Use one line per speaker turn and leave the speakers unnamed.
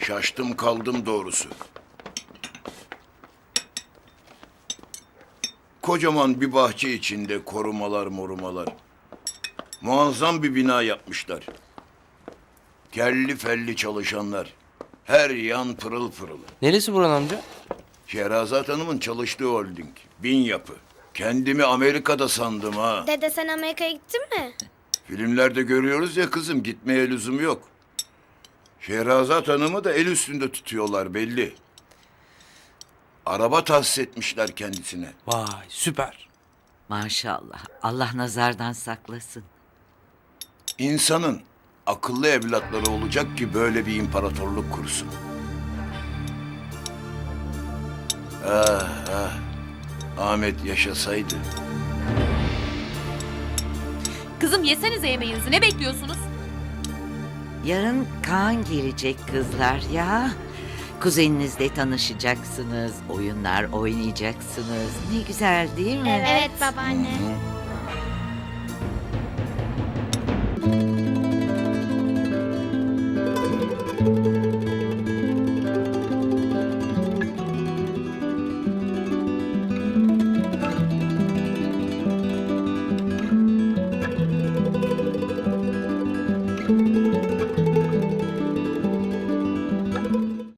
Şaştım kaldım doğrusu. Kocaman bir bahçe içinde korumalar morumalar. Muazzam bir bina yapmışlar. Kelli felli çalışanlar. Her yan pırıl pırıl.
Neresi Burhan amca?
Şehrazat Hanım'ın çalıştığı holding. Bin yapı. Kendimi Amerika'da sandım ha.
Dede sen Amerika'ya gittin mi?
Filmlerde görüyoruz ya kızım, gitmeye lüzum yok. Şehrazat Hanım'ı da el üstünde tutuyorlar belli. Araba tahsis etmişler kendisine.
Vay süper.
Maşallah. Allah nazardan saklasın.
İnsanın akıllı evlatları olacak ki böyle bir imparatorluk kursun. Ah ah. Ahmet yaşasaydı.
Kızım yesenize yemeğinizi, ne bekliyorsunuz?
Yarın Kaan gelecek kızlar ya. Kuzeninizle tanışacaksınız, oyunlar oynayacaksınız. Ne güzel değil mi?
Evet babaanne.